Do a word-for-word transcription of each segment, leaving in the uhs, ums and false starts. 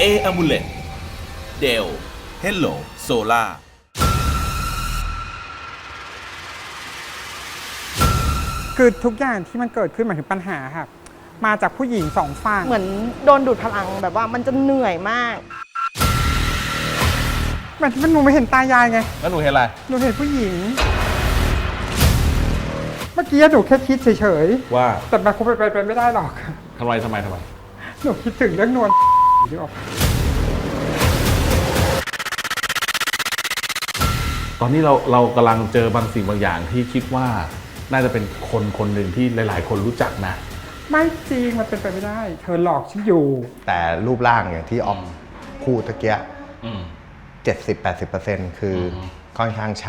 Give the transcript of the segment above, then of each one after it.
A Amulet Dell Hello Solar คือทุกอย่างที่มันเกิดขึ้นหมายถึงปัญหาครับมาจากผู้หญิงสองฝั่งเหมือนโดนดูดพลังแบบว่ามันจะเหนื่อยมากมันมันหนูไม่เห็นตายายไงแล้วหนูเห็นอะไรหนูเห็นผู้หญิง เมื่อกี้หนูแค่คิดเฉยว่าๆแต่มันคงไปไปไม่ได้หรอกทำไมทำไมทำไมหนูคิดถึงเรื่องนวลที่ออกตอนนี้เราเรากำลังเจอบางสิ่งบางอย่างที่คิดว่าน่าจะเป็นคนคนหนึ่งที่หลาย ๆ คนรู้จักนะไม่จริงมันเป็นไปไม่ได้ เธอหลอกฉันอยู่แต่รูปร่างอย่างที่ออกคู่ตะเกียอืมเจ็ดสิบแปดสิบเปอร์เซ็นต์คืออค่อนข้างใช่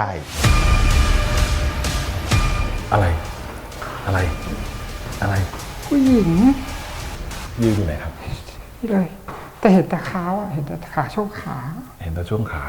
อะไร อะไร อะไรผู้หญิงยืนอยู่ไหนครับนี่เลย แต่เห็นแต่ขาอ่ะเห็นแต่ขาช่วงขาเห็นแต่ช่วงขา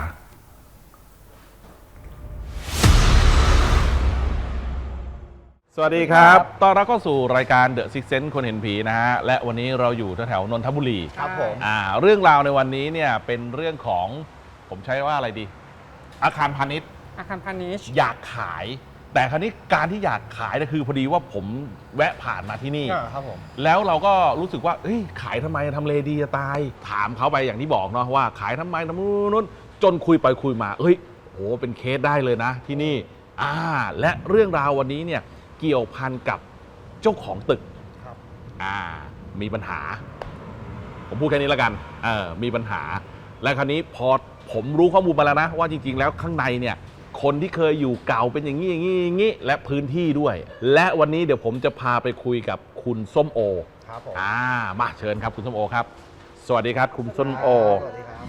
สวัสดีครับต้อนรับเข้าสู่รายการ The Six Sense คนเห็นผีนะฮะ และวันนี้เราอยู่แถวๆนนทบุรีครับผมอ่า เรื่องราวในวันนี้เนี่ยเป็นเรื่องของผมใช้ว่าอะไรดี อาคารพาณิชย์อาคารพาณิชย์อยากขาย แต่คราวนี้การที่อยากขายเนี่ยคือพอดีว่าผมแวะผ่านมาที่นี่ครับผมแล้วเราก็รู้สึกว่าเฮ้ยขายทำไมทำเลดีจะตาย ถามเขาไปอย่างที่บอกเนาะว่าขายทำไมทำนู่นนู่นจนคุยไปคุยมาเฮ้ยโหเป็นเคสได้เลยนะที่นี่อ่าและเรื่องราววันนี้เนี่ยเกี่ยวพันกับเจ้าของตึกครับอ่ามีปัญหา ผมพูดแค่นี้แล้วกันเออมีปัญหา และคราวนี้พอผมรู้ข้อมูลมาแล้วนะว่าจริงๆแล้วข้างในเนี่ยคนที่เคยอยู่เก่าเป็นอย่างนี้อย่างนี้อย่างนี้และพื้นที่ด้วย และวันนี้เดี๋ยวผมจะพาไปคุยกับคุณส้มโอครับผมอ่ามาเชิญครับคุณส้มโอครับ สวัสดีครับคุณส้มโอสวัสดีครับ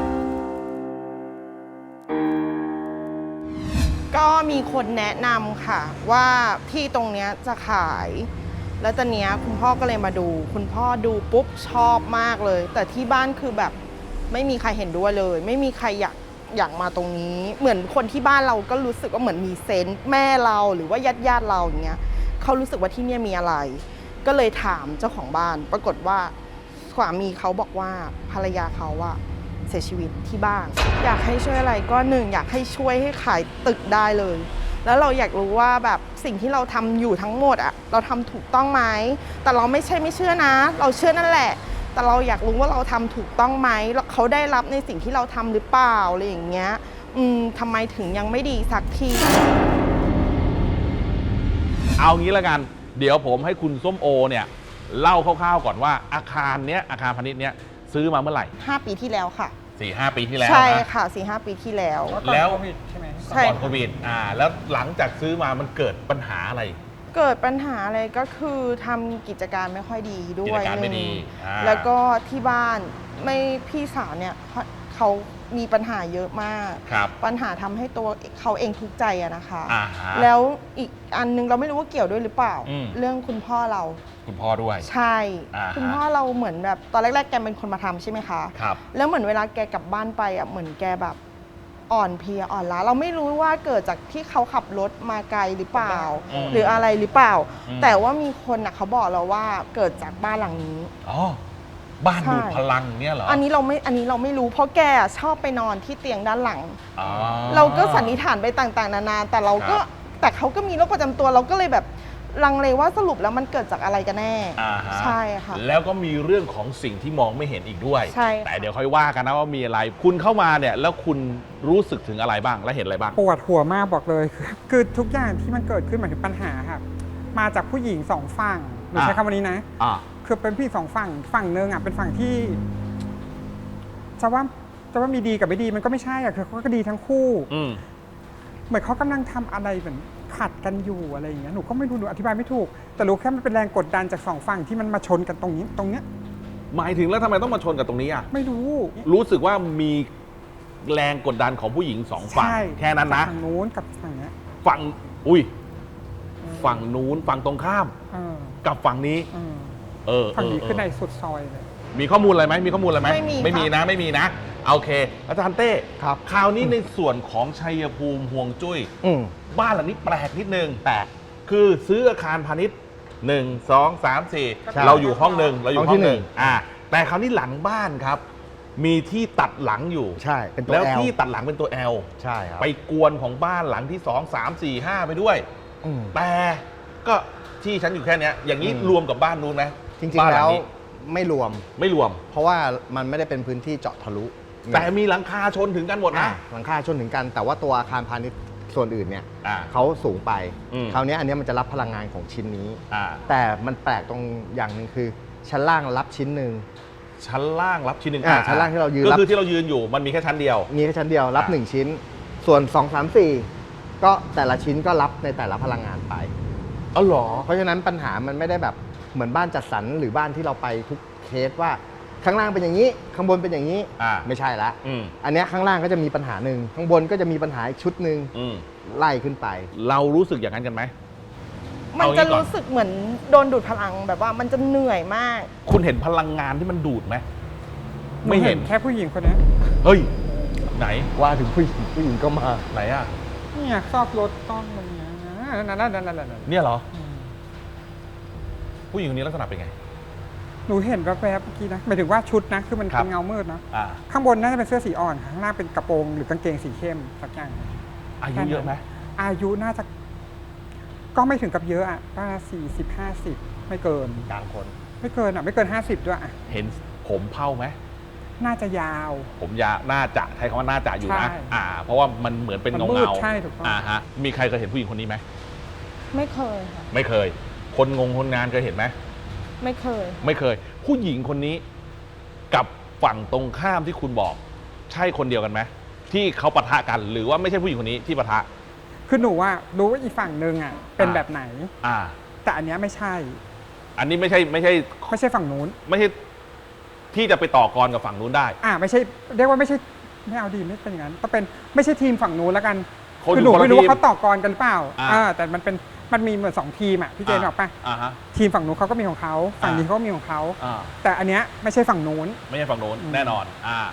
ก็มีคนแนะนำค่ะว่าที่ตรงเนี้ยจะขาย แล้วตอนเนี้ยคุณพ่อก็เลยมาดู คุณพ่อดูปุ๊บชอบมากเลย แต่ที่บ้านคือแบบไม่มีใครเห็นด้วยเลย ไม่มีใครอยากอยากมาตรงนี้ เหมือนคนที่บ้านเราก็รู้สึกว่าเหมือนมีเซนส์แม่เราหรือว่าญาติญาติเราอย่างเงี้ยเขารู้สึกว่าที่เนี่ยมีอะไร ก็เลยถามเจ้าของบ้าน ปรากฏว่าสามีเขาบอกว่าภรรยาเขาอะเสียชีวิตที่บ้าน อยากให้ช่วยอะไรก็หนึ่งอยากให้ช่วยให้ขายตึกได้เลย แล้วเราอยากรู้ว่าแบบสิ่งที่เราทำอยู่ทั้งหมดอะเราทำถูกต้องไหมแต่เราไม่ใช่ไม่เชื่อนะ เราเชื่อนั่นแหละ แต่เราอยากรู้ว่าเราทำถูกต้องไหมแล้วเขาได้รับในสิ่งที่เราทำหรือเปล่าอะไรอย่างเงี้ยอืมทำไมถึงยังไม่ดีสักทีเอางี้แล้วกัน เดี๋ยวผมให้คุณส้มโอเนี่ยเล่าคร่าวๆก่อนว่าอาคารเนี้ยอาคารพาณิชย์เนี้ยซื้อมาเมื่อไหร่ห้าปีที่แล้วค่ะสี่ห้าปีที่แล้วใช่นะค่ะสี่ห้าปีที่แล้วแล้วโควิดใช่ไหมใช่ก่อนโควิดอ่าแล้วหลังจากซื้อมามันเกิดปัญหาอะไรเกิดปัญหาอะไรก็คือทำกิจการไม่ค่อยดีด้กิวจยการไม่ดีหนึ่งอ่าแล้วก็ที่บ้านไม่พี่สาวเนี่ยเขาเขามีปัญหาเยอะมากครับปัญหาทำให้ตัวเขาเองทุกข์ใจอะนะคะอ่าฮะแล้วอีกอันนึงเราไม่รู้ว่าเกี่ยวด้วยหรือเปล่าอืมเรื่องคุณพ่อเราคุณพ่อด้วยใช่อ่าฮะคุณพ่อเราเหมือนแบบตอนแรกๆแกเป็นคนมาทำใช่ไหมคะครับแล้วเหมือนเวลาแกกลับบ้านไปอ่ะเหมือนแกแบบอ่อนเพลียอ่อนล้าเราไม่รู้ว่าเกิดจากที่เขาขับรถมาไกลหรือเปล่าอืมหรืออะไรหรือเปล่าอืมแต่ว่ามีคนอ่ะเขาบอกเราว่าเกิดจากบ้านหลังนี้อ๋อบ้านใช่ดูดพลังเนี่ยเหรออันนี้เราไม่อันนี้เราไม่รู้เพราะแกอะชอบไปนอนที่เตียงด้านหลังอ๋อเราก็สันนิษฐานไปต่างๆ นานาแต่เราก็ครับแต่เขาก็มีโรคประจำตัวเราก็เลยแบบลังเลว่าสรุปแล้วมันเกิดจากอะไรกันแน่อ่าฮะใช่ค่ะแล้วก็มีเรื่องของสิ่งที่มองไม่เห็นอีกด้วยใช่ค่ะแต่เดี๋ยวค่อยว่ากันนะว่ามีอะไร คุณเข้ามาเนี่ยแล้วคุณรู้สึกถึงอะไรบ้างและเห็นอะไรบ้างปวดหัวมากบอกเลย คือคือทุกอย่างที่มันเกิดขึ้นหมายถึงปัญหาครับมาจากผู้หญิงสองฝั่งหนูใช้อ่ะคำวันนี้นะอ่าคือเป็นผู้หญิงสองฝั่งฝั่งหนึ่งอ่ะเป็นฝั่งที่จะว่าจะว่ามีดีกับไม่ดีมันก็ไม่ใช่อ่ะคือเขาก็ดีทั้งคู่อืมเหมือนเขากำลังทำอะไรเหมือนขัดกันอยู่อะไรอย่างเงี้ยหนูก็ไม่รู้หนูอธิบายไม่ถูก แต่รู้แค่มันเป็นแรงกดดันจากสองฝั่งที่มันมาชนกันตรงนี้ตรงเนี้ยหมายถึงแล้วทำไมต้องมาชนกับตรงนี้อ่ะไม่รู้รู้สึกว่ามีแรงกดดันของผู้หญิงสองฝั่งใช่แค่นั้นนะฝั่งนู้นกับฝั่งเนี้ยฝั่งอุ้ยฝั่งนู้นฝั่งตรงข้ามเออกับฝั่งนี้เออเออฝั่งนี้เคือในสุดซอยเลยมีข้อมูลอะไรไหมมีข้อมูลอะไรไหมไม่มีไม่มีค่ะนะไม่มีนะโอเค อาจารย์เต้ครับคราวนี้ในส่วนของชัยภูมิห่วงจุ้ยอืมบ้านหลังนี้แปลกนิดนึงแปลกคือซื้ออาคารพาณิชย์หนึ่งสองสามสี่ใช่เราอยู่ห้องหนึ่งเราอยู่ห้ห้ององที่หนึ่งหนึ่งอ่าแต่คราวนี้หลังบ้านครับมีที่ตัดหลังอยู่ใช่เป็นตัวแล้ว L ที่ตัดหลังเป็นตัว L ใช่ครับไปกวนของบ้านหลังที่สองสามสี่ห้าไปด้วยอืมแต่ก็ที่ฉันอยู่แค่เนี้ยอย่างนี้อืมรวมกับบ้านนู้นไหมจริงบ้านๆหแล้วนี้ไม่รวมไม่รวมเพราะว่ามันไม่ได้เป็นพื้นที่เจาะทะลุแต่มีหลังคาชนถึงกันหมดอ่ะนะหลังคาชนถึงกัน แต่ว่าตัวอาคารพาณิชย์ส่วนอื่นเนี่ยอ่าเขาสูงไปอืมคราวนี้อันเนี้ยมันจะรับพลังงานของชิ้นนี้อ่าแต่มันแปลกตรงอย่างหนึ่งคือ ชั้นล่างรับชิ้นหนึ่งชั้นล่างรับชิ้นหนึ่งอ่าชั้นล่างที่เรายืนก็รับคือที่เรายืนอยู่มันมีแค่ชั้นเดียวมีแค่ชั้นเดียวรับอ่าหนึ่งชิ้น ส่วนสอง สาม สี่ก็แต่ละชิ้นก็รับในแต่ละพลังงานไปอ๋อเหรอเพราะฉะนั้นปัญหามันไม่ได้แบบเหมือนบ้านจัดสรรหรือบ้านที่เราไปทุกเคสว่าข้างล่างเป็นอย่างนี้ ข้างบนเป็นอย่างนี้อ่าไม่ใช่ละอืมอันเนี้ยข้างล่างก็จะมีปัญหาหนึ่งข้างบนก็จะมีปัญหาอีกชุดหนึ่งอืมไล่ขึ้นไปเรารู้สึกอย่างนั้นกันไหมมันเอางี้จะก่อนรู้สึกเหมือนโดนดูดพลังแบบว่ามันจะเหนื่อยมากคุณเห็นพลังงานที่มันดูดไหมหนูไม่เห็นแค่ผู้หญิงคนนี้เฮ้ย ไหนว่าถึงผู้หญิงผู้หญิงก็มาไหนอ่ะเนี่ยซอกรถต้องอะไรเงี้ยนั่นนั่นนั่นนั่นนั่นเนี่ยเหรอ ผู้หญิงคนนี้ลักษณะเป็นไงหนูเห็นแวบๆเมื่อกี้นะหมายถึงว่าชุดนะคือมันครัเป็บนเงามืดเนาะอ่าข้างบนน่าจะเป็นเสื้อสีอ่อนข้างล่างเป็นกระโปรงหรือกางเกงสีเข้มสักอย่างอายุเยอะไหมอายุน่าจะ ก็ไม่ถึงกับเยอะอ่ะก็สี่สิบห้าสิบไม่เกินกลางคนไม่เกินอ่ะไม่เกินห้าสิบด้วยอ่ะเห็นผมเผ้าไหมน่าจะยาวผมยาน่าจะใช้คำว่าน่าจะอยู่นะใช่อ่า เพราะว่ามันเหมือนเป็นมันเงามืดเงาใช่ถูกต้องอ่าฮะ มีใครเคยเห็นผู้หญิงคนนี้ไหมไม่เคยค่ะไม่เคย คนงงคนงานเคยเห็นไหมไม่เคยไม่เคย ผู้หญิงคนนี้กับฝั่งตรงข้ามที่คุณบอก ใช่คนเดียวกันไหมที่เขาปะทะกันหรือว่าไม่ใช่ผู้หญิงคนนี้ที่ปะทะคือหนูว่ารู้ว่าอีกฝั่งหนึ่งอ่ะเป็นอ่าแบบไหนอ่าแต่อันเนี้ยไม่ใช่อันนี้ไม่ใช่ไม่ใช่ไม่ใช่ฝั่งนู้นไม่ใช่ที่จะไปต่อกรกับฝั่งนู้นได้อ่าไม่ใช่เรียกว่าไม่ใช่ไม่เอาดีไม่เป็นอย่างนั้นต้องเป็นไม่ใช่ทีมฝั่งนู้นแล้วกันคนคืออหนูยู่คนละไม่รู้ทีมว่าเขาต่อกรกันหรือเปล่าอ่าอ่าแต่มันเป็นมันมีเหมือนสองทีมอ่ะพี่เจนบอกป่ะอ่าฮะทีมฝั่งนู้นเขาก็มีของเขาฝั่งนี้เขาก็มีของเขาอ่าแต่อันเนี้ยไม่ใช่ฝั่งนู้นไม่ใช่ฝั่งโน้นอืมแน่นอน อ่า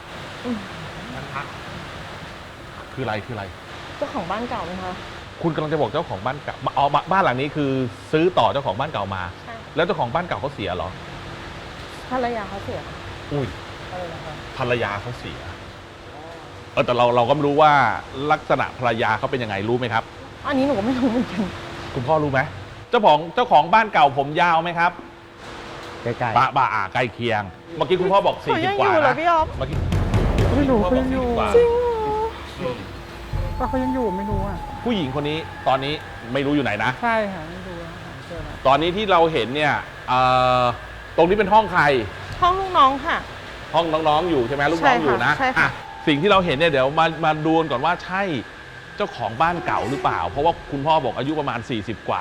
คืออะไรคืออะไรเจ้าของบ้านเก่าไหมคะคุณกำลังจะบอกเจ้าของบ้านเก่าอ๋อบ้านบ้านหลังนี้คือซื้อต่อเจ้าของบ้านเก่ามาใช่แล้วเจ้าของบ้านเก่าเขาเสียเหรอภรรยาเขาเสียอุ้ยอะไรนะคะภรรยาเขาเสียเออแต่เราเราก็ไม่รู้ว่าลักษณะภรรยาเขาเป็นยังไงรู้ไหมครับอันนี้หนูก็ไม่รู้เหมือนกันคุณพ่อรู้ไหมเจ้าของเจ้าของบ้านเก่าผมยาวไหมครับใกล้ปะปะอ่าใกล้เคียง เมื่อกี้คุณพ่อบอกสี่เขาสิยับงกว่าอยู่เหรอนะพี่อ๊อฟเมื่อกี้ไม่รู้คุณพ่อเขาบอยักงอยู่สี่สิบกว่าจริงเหรออืมก็เขายังอยู่ไม่รู้อ่ะผู้หญิงคนนี้ตอนนี้ไม่รู้อยู่ไหนนะใช่ค่ะไม่รู้อะหาเจอแล้วตอนนี้ที่เราเห็นเนี่ยเอ่อตรงนี้เป็นห้องใครห้องลูกน้องค่ะห้องน้องๆอยู่ใช่ไหมลูกน้องอยู่นะใช่ค่ะอ่ะสิ่งที่เราเห็นเนี่ยเดี๋ยวมามาดูกันก่อนว่าใช่เจ้าของบ้านเก่าหรือเปล่า เพราะว่าคุณพ่อบอกอายุประมาณ สี่สิบ กว่า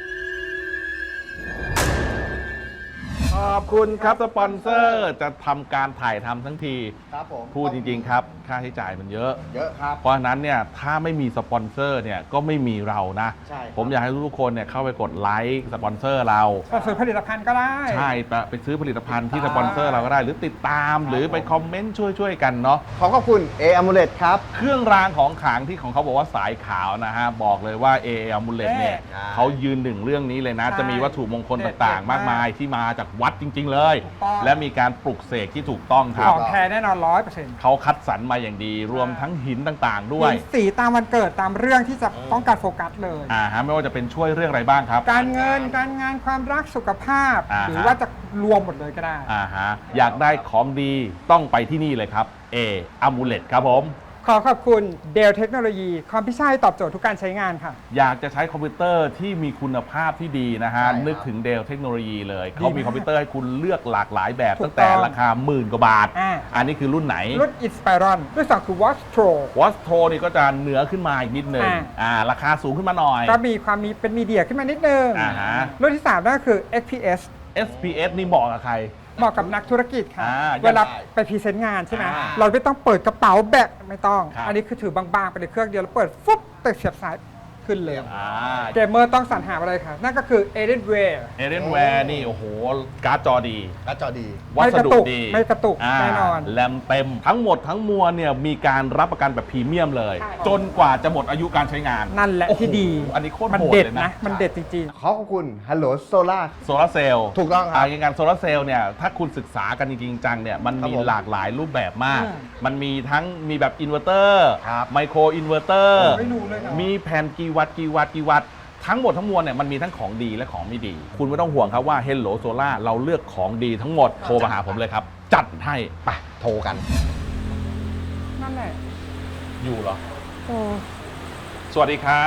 ขอบคุณครับสปอนเซอร์จะทำการถ่ายทำทั้งทีๆครับผมพูดจริง ๆ ครับ ค่าใช้จ่ายมันเยอะเยอะครับเพราะฉะนั้นเนี่ยถ้าไม่มีสปอนเซอร์เนี่ยก็ไม่มีเรานะใช่ครับผมอยากให้ทุกๆคนเนี่ยเข้าไปกดไลค์สปอนเซอร์เราก็ซื้อผลิตภัณฑ์ก็ได้ใช่ไปไปซื้อผลิตภัณฑ์ที่สปอนเซอร์เราก็ได้ หรือติดตามหรือไปคอมเมนต์ช่วยๆกันเนาะขอขอบคุณ A Amulet ครับเครื่องรางของขลังที่ของเขาบอกว่าสายขาวนะฮะ บอกเลยว่า เอ อ มูเลตเนี่ยใช่เขายืนหนึ่งเรื่องนี้เลยนะใช่จะมีวัตถุมงคลต่างๆ มากมายที่มาจากวัดจริง ๆ เลยถูกต้องและมีการปลุกเสกที่ถูกต้องครัขบองแท้แน่นอนร้อยเปอร์เซ็นต์เขาคัดสรรมาอย่างดี รวมทั้งหินต่างๆ ด้วยมีสีตามวันเกิดตามเรื่องที่จะต้องการโฟกัสเลยอ่าฮะไม่ว่าจะเป็นช่วยเรื่องอะไรบ้างครับการเงินการงานความรักสุขภาพอ่าฮะหรือว่าจะรวมหมดเลยก็ได้อ่าฮะอยากได้ของดีต้องไปที่นี่เลยครับ เอ อ มูเลตครับผมขอขอบคุณ Dell เทคโนโลยีคอมพิวเตอร์ตอบโจทย์ทุกการใช้งานค่ะอยากจะใช้คอมพิวเตอร์ที่มีคุณภาพที่ดีนะฮะใช่ครับนึกถึงเดลเทคโนโลยีเลยดีเขามีมากคอมพิวเตอร์ให้คุณเลือกหลากหลายแบบถูกตั้งแต่ต้องราคาหมื่นกว่าบาทอ่าอันนี้คือรุ่นไหนรุ่น Inspiron รุ่นสองคือ Watch Pro วอสโทนี่ก็จะเหนือขึ้นมาอีกนิดนึงอ่าอ่าราคาสูงขึ้นมาหน่อยก็มีความมีเป็นมีเดียขึ้นมานิดนึงอ่าฮะรุ่นที่สามนั่นก็คือ เอ็กซ์ พี เอสเอส พี เอส นี่เหมาะกับใครเหมาะกับนักธุรกิจค่ะอ่าเวลาได้ไปพรีเซนต์งานใช่ไหมอ่าเราไม่ต้องเปิดกระเป๋าแบกไม่ต้องครับอันนี้คือถือบางๆ ไปในเครื่องเดียวแล้วเปิดฟุ๊บแต่เสียบสายขึ้นเลยอ่าเกมเมอร์ต้องสรรหาอะไรคะนั่นก็คือ Alienware เอเรนแวร์นี่โอ้โหการ์ดจอดีก็จอดีวัสดุดีไม่กระตุกไม่กระตุกแน่นอนแรมเต็มทั้งหมดทั้งมวลเนี่ยมีการรับประกันแบบพรีเมียมเลยใช่จนกว่าจะหมดอายุการใช้งานนั่นแหละโอ้โที่ดีอันนี้โคตรมันโหดเด็ดเลยนะนะมันเด็ดจริงขอขอบคุณฮัลโหลโซล่าโซลาร์เซลล์ถูกต้องครับอย่างการโซลาร์เซลล์เนี่ยถ้าคุณศึกษากันจริงๆจังเนี่ยมันครับมีผมหลากหลายรูปแบบมากอืมมันมีทั้งมีแบบอินเวอร์เตอร์ครับไมโครอินเวอร์เตอร์ๆไม่รู้เลยนะมีแผ่นกี่วัตต์กี่วัตต์กี่วัตต์ทั้งหมดทั้งมวลเนี่ยมันมีทั้งของดีและของไม่ดี คุณไม่ต้องห่วงครับว่า Hello Solar เราเลือกของดีทั้งหมดโทรมาหาผมเลยครับ จัดให้ไปโทรกันนั่นแหละอยู่เหรอโอ้สวัสดีครับ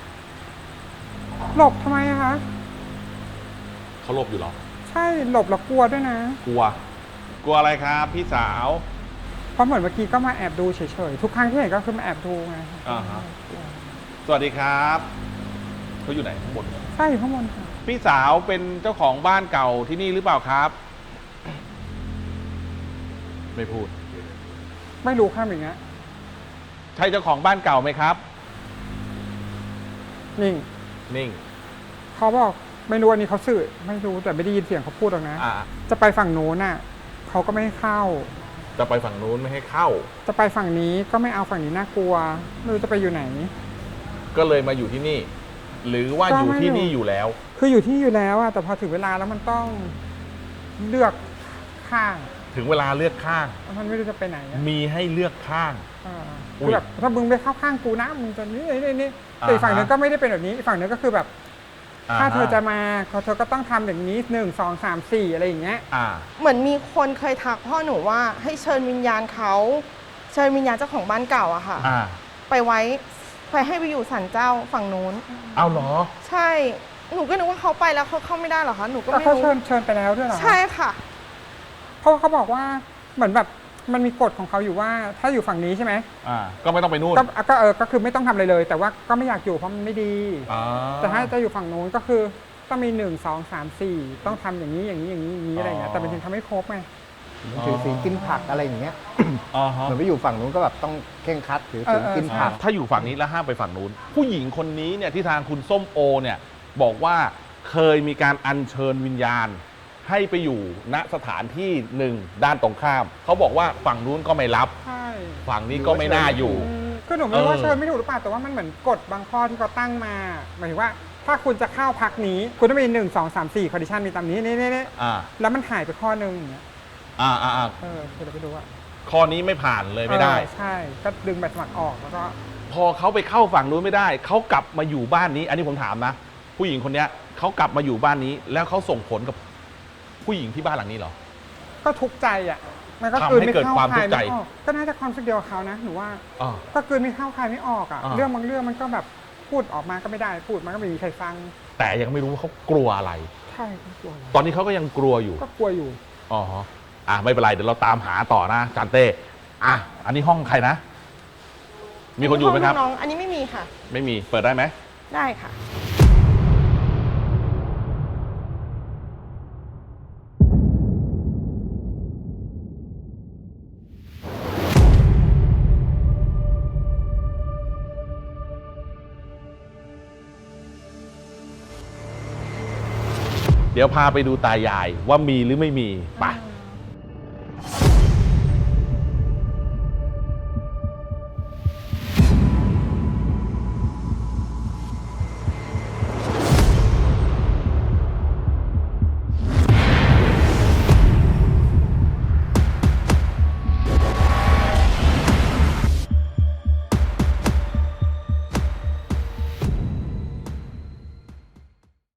หลบทำไมอะคะเขาหลบอยู่เหรอใช่หลบแล้วกลัวด้วยนะกลัว กลัวอะไรครับพี่สาวเพราะเหมือนเมื่อกี้ก็มาแอบดูเฉยๆทุกครั้งที่เห็นก็คือมาแอบดูไงอ่าฮะ สวัสดีครับเขาอยู่ไหนข้างบนใช่ข้างบนค่ะพี่สาวเป็นเจ้าของบ้านเก่าที่นี่หรือเปล่าครับ ไม่พูดไม่รู้ข้ามอย่างเงี้ยใช่เจ้าของบ้านเก่าไหมครับนิ่งนิ่งเขาบอกไม่รู้อันนี้เขาสื่อไม่รู้แต่ไม่ได้ยินเสียงเขาพูดหรอกนะอ่าจะไปฝั่งโน้นน่ะเขาก็ไม่ให้เข้าจะไปฝั่งนู้นไม่ให้เข้าจะไปฝั่งนี้ก็ไม่เอาฝั่งนี้น่ากลัวไม่รู้จะไปอยู่ไหนก็เลยมาอยู่ที่นี่ หรือว่าก็อยู่ไม่ที่อยู่นี่อยู่แล้วคืออยู่ที่อยู่แล้วอะแต่พอถึงเวลาแล้วมันต้องเลือกข้างถึงเวลาเลือกข้างมันไม่รู้จะไปไหนอะมีให้เลือกข้างอ่าอุ๊ยคือแบบถ้ามึงไปเข้าข้างกูนะมึงจะนี่นี่นี่แต่อีกฝั่งหนึงอ่าฮะก็ไม่ได้เป็นแบบนี้อีกฝั่งหนึงก็คือแบบ ถ้าเธอจะอ่มาเธอก็ต้องทำอย่างนี้หนึ่งสองสามสี่อะไรอย่างเงี้ยอ่าเหมือนมีคนเคยทักพ่อหนูว่าให้เชิญวิญญาณเขาเชิญวิญญาณเจ้าของบ้านเก่าอะค่ะอ่าไปไว้ไปให้ไปอยู่ศาลเจ้าฝั่งนู้นเอาเหรอใช่ หนูก็นึกว่าเขาไปแล้วเขาเข้าไม่ได้เหรอคะ หนูก็ก็ไม่เขารู้เชิญเชิญไปแล้วด้วยเหรอใช่ค่ะเพราะว่าเขาบอกว่าเหมือนแบบมันมีกฎของเขาอยู่ว่าถ้าอยู่ฝั่งนี้ใช่ไหมอ่า ก็ไม่ต้องไปนู่นก็ก็เออก็คือไม่ต้องทำอะไรเลย แต่ว่าก็ไม่อยากอยู่เพราะมันไม่ดีอ่าแต่ถ้าจะอยู่ฝั่งนู้นก็คือต้องมีหนึ่งสองสามสี่ต้องทำอย่างนี้อย่างนี้อย่างนี้อย่างนี้อะไรอย่างเงี้ยแต่มันยังทำไม่ครบไงถือศีลกินผักอะไรอย่างเงี้ยอ่าฮะเหมือนไปอยู่ฝั่งนู้นก็แบบต้องเคร่งครัดถือศีลเออเออกินผักถ้าอยู่ฝั่งนี้แล้วห้ามไปฝั่งนู้น ผู้หญิงคนนี้เนี่ยที่ทางคุณส้มโอเนี่ยบอกว่าเคยมีการอัญเชิญวิญญาณ ให้ไปอยู่ณสถานที่หนึ่งด้านตรงข้าม เขาบอกว่าฝั่งนู้นก็ไม่รับใช่ฝั่งนี้ก็ไม่น่าอยู่อืมคือหนูไม่รู้ว่าเออเชิญไม่ถูกหรือเปล่าแต่ว่ามันเหมือนกฎบางข้อที่เขาตั้งมาหมายถึงว่าถ้าคุณจะเข้าพักนี้ คุณต้องมีหนึ่งสองสามสี่คอนดิชันมีตามนี้นี่นี่นี่อ่าแล้วมันหายไปข้อหนึ่งอย่างเงี้ยอ่าอ่าอ่าเออคือเราไปดูว่าข้อนี้ไม่ผ่านเลยไม่ได้เออใช่ก็ดึงใบสมัครออกแล้วก็พอเขาไปเข้าฝั่งนู้นไม่ได้ เขากลับมาอยู่บ้านนี้ อันนี้ผมถามนะ ผู้หญิงคนเนี้ยเขากลับมาอยู่บ้านนี้ แล้วเขาส่งผลกับผู้หญิงที่บ้านหลังนี้เหรอก็ทุกข์ใจอ่ะมันก็ทำคืนให้ไม่เกิดเข้าความใคทุรกข์ใจไม่ออกก็น่าจะความรู้สึกเดียวกับเขานะหนูว่าอ่าก็คืนไม่เข้าใครไม่ออกอ่ะอ่าเรื่องบางเรื่องมันก็แบบพูดออกมาก็ไม่ได้พูดมันก็ไม่มีใครฟังแต่ยังไม่รู้ว่าเขากลัวอะไรใช่ก็กลัวอยู่ตอนนี้เขาก็ยังกลัวอยู่ก็กลัวอยู่อ๋อฮะอ่ะไม่เป็นไร เดี๋ยวเราตามหาต่อนะจานเต้อ่ะ อันนี้ห้องใครนะ มีคนอยู่ไหมครับน้องๆอันนี้ไม่มีค่ะไม่มี เปิดได้ไหมได้ค่ะเดี๋ยวพาไปดูตายายว่ามีหรือไม่มีไป